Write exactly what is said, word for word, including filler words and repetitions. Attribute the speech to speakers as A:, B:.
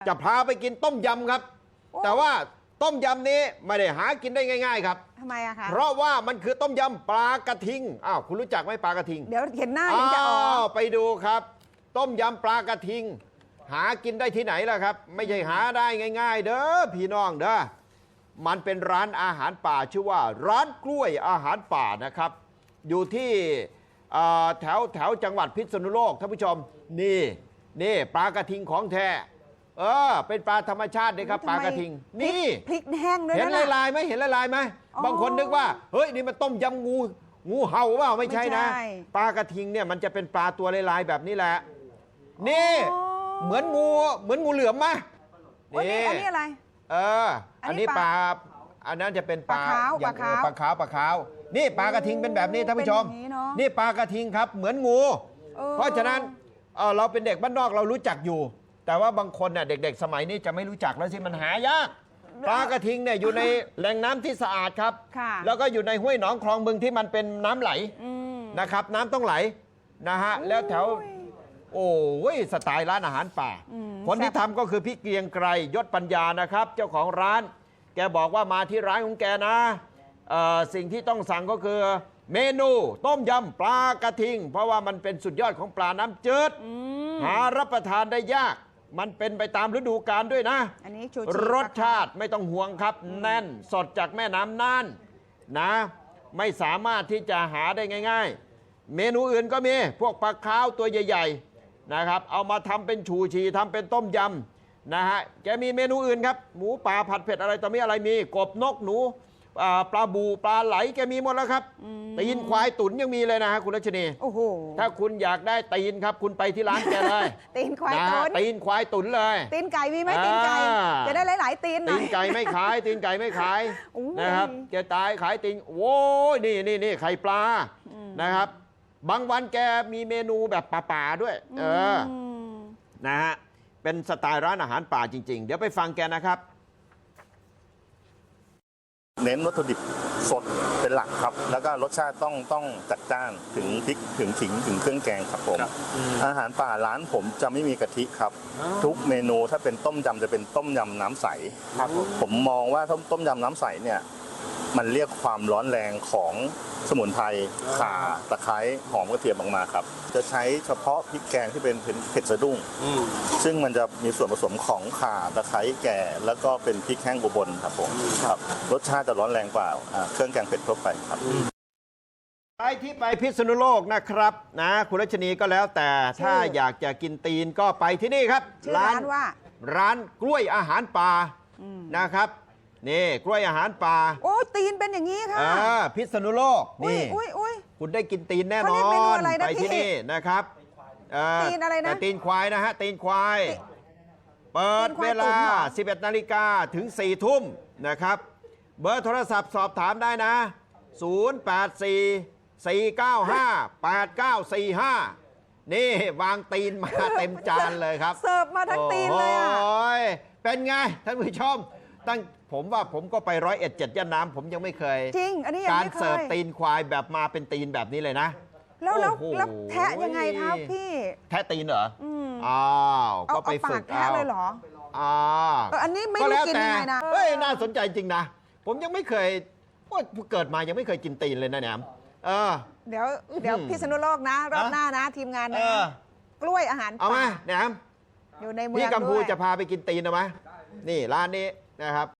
A: จะพาไปกินต้มยำครับแต่ว่าต้มยำนี้ไม่ได้หากินได้ง่ายๆครับ
B: ทำไมอะคะ
A: เพราะว่ามันคือต้มยำปลากระทิงอ้าวคุณรู้จักไหมปลากระทิง
B: เดี๋ยวเห็นหน้ายังจะออก
A: ไปดูครับ ต้มยำปลากระทิงหากินได้ที่ไหนล่ะครับไม่ใช่หาได้ง่ายๆเด้อพี่น้องเด้อมันเป็นร้านอาหารป่าชื่อว่าร้านกล้วยอาหารป่านะครับอยู่ที่แถวแถวจังหวัดพิษณุโลกท่านผู้ชมนี่นี่ปลากระทิงของแท้เออเป็นปลาธรรมชาติเลยครับปลากระทิงนี่
B: พริกแห้งด้วยนะ
A: เห็นลายๆไหมเห็นลายๆไหมบางคนนึกว่าเฮ้ยนี่มันต้มยำงูงูเห่าเปล่าไม่ใช่นะปลากระทิงเนี่ยมันจะเป็นปลาตัวลายๆแบบนี้แหละนี่เหมือนงูเหมือนงูเหลือมไหม
B: นี่อันนี้อะไร
A: เอออันนี้ปลาอันนั้นจะเป็นปลา
B: ปลาขาว
A: ปลาขาวปลาขาวนี่ปลากระทิงเป็นแบบนี้ท่านผู้ชมนี่ปลากระทิงครับเหมือนงูเพราะฉะนั้นเราเป็นเด็กบ้านนอกเรารู้จักอยู่แต่ว่าบางคนเนี่ยเด็กๆสมัยนี้จะไม่รู้จักแล้วสิมันหายากปลากระทิงเนี่ยอยู่ในแหล่งน้ำที่สะอาดครับแล้วก็อยู่ในห้วยหนองคลองบึงที่มันเป็นน้ำไหลนะครับน้ำต้องไหลนะฮะแล้วแถวโอ้ยสไตล์ร้านอาหารป่าคนที่ทำก็คือพี่เกียงไกรยศปัญญานะครับเจ้าของร้านแกบอกว่ามาที่ร้านของแกนะสิ่งที่ต้องสั่งก็คือเมนูต้มยำปลากระทิงเพราะว่ามันเป็นสุดยอดของปลาน้ำจืดหารับประทานได้ยากมันเป็นไปตามฤดูกาลด้วยนะ
B: อันนี้
A: รสชาติไม่ต้องห่วงครับแน่นสดจากแม่น้ำน่านนะไม่สามารถที่จะหาได้ง่ายๆเมนูอื่นก็มีพวกปลาขาวตัวใหญ่ๆนะครับเอามาทำเป็นชูชีทำเป็นต้มยำนะฮะแกมีเมนูอื่นครับหมูป่าผัดเผ็ดอะไรต่อมีอะไรมีกบนกหนูปลาบูปลาไหลแกมีหมดแล้วครับตีนควายตุ๋นยังมีเลยนะฮะคุณรัชนี
B: โอ้โห
A: ถ้าคุณอยากได้ตีนครับคุณไปที่ร้านแกเลย
B: ตีนควายตุ๋น
A: ตีนควายตุ๋นเลย
B: ตีนไก่มีไหมตีนไก่จะได้หลายๆตีน
A: ตีนไก่ไม่ขายตีนไก่ไม่ขายนะครับแกตายขายตีนโว้ยนี่นี่นี่ไข่ปลานะครับบางวันแกมีเมนูแบบป่าๆด้วยเออนะฮะเป็นสไตล์ร้านอาหารป่าจริงๆเดี๋ยวไปฟังแกนะครับ
C: เน้นวัตถุดิบสดเป็นหลักครับแล้วก็รสชาติต้องต้องจัดจ้านถึงพริกถึงขิงถึงเครื่องแกงครับผมอาหารป่าร้านผมจะไม่มีกะทิครับทุกเมนูถ้าเป็นต้มยำจะเป็นต้มยำน้ำใสผมมองว่าต้มยำน้ำใสเนี่ยมันเรียกความร้อนแรงของสมุนไพรข่าตะไคร้หอมกระเทียมออกมาครับจะใช้เฉพาะพริกแกงที่เป็นเผ็ดสะดุ้งซึ่งมันจะมีส่วนผสมของข่าตะไคร้แก่แล้วก็เป็นพริกแห้งอุบลครับผมครับรสชาติจะร้อนแรงกว่าเครื่องแกงเผ็ดทั่วไปครับ
A: ไปที่ไปพิษณุโลกนะครับนะคุณรัชนีก็แล้วแต่ถ้าอยากจะกินตีนก็ไปที่นี่ครับ
B: ร้านว่า
A: ร้านกล้วยอาหารป่านะครับนี่กล้วยอาหารป่า
B: โอ้ตีนเป็นอย่างนี้ค่ะ
A: พิษณุโลกนี่คุณได้กินตีนแน่นอนไปที่นี่นะครับ
B: ตีนอะไรนะ
A: ตีนควายนะฮะตีนควายเปิดเวลา สิบเอ็ดนาฬิกา ถึง สี่ ทุ่มนะครับเบอร์โทรศัพท์สอบถามได้นะศูนย์ แปด สี่ สี่ เก้า ห้า แปด เก้า สี่ ห้านี่วางตีนมาเต็มจานเลยครับ
B: เสิร์ฟมาทั้งตีนเลยอ่ะ
A: เป็นไงท่านผู้ชมตั้งผมว่าผมก็ไปร้อยเอ็ดเจ็ดย่านน้ำผมยังไม่เคย
B: จริงอันนี้ยัง
A: ไม่เคยการเสิร์ฟตีนควายแบบมาเป็นตีนแบบนี้เลยนะ
B: แล้วแล้วแล้วแทะยังไงครับพี่
A: แทะตีนเหรออ้าวก็ไปฝึก
B: แทะเลยเหรอ
A: อ่า
B: อันนี้ไม่รู้กินยังไงนะ
A: เฮ้ยน่าสนใจจริงนะผมยังไม่เคยว่าเกิดมายังไม่เคยกินตีนเลยนะแหนมเออ
B: เดี๋ยวเดี๋ยวพิษณุโลกนะรอบหน้านะทีมงานนะกล้วยอาหาร
A: เอาไหมแหนม
B: อยู่ในเมือง
A: พี่กัมพูจะพาไปกินตีนเอาไหมนี่ร้านนี้นะครับ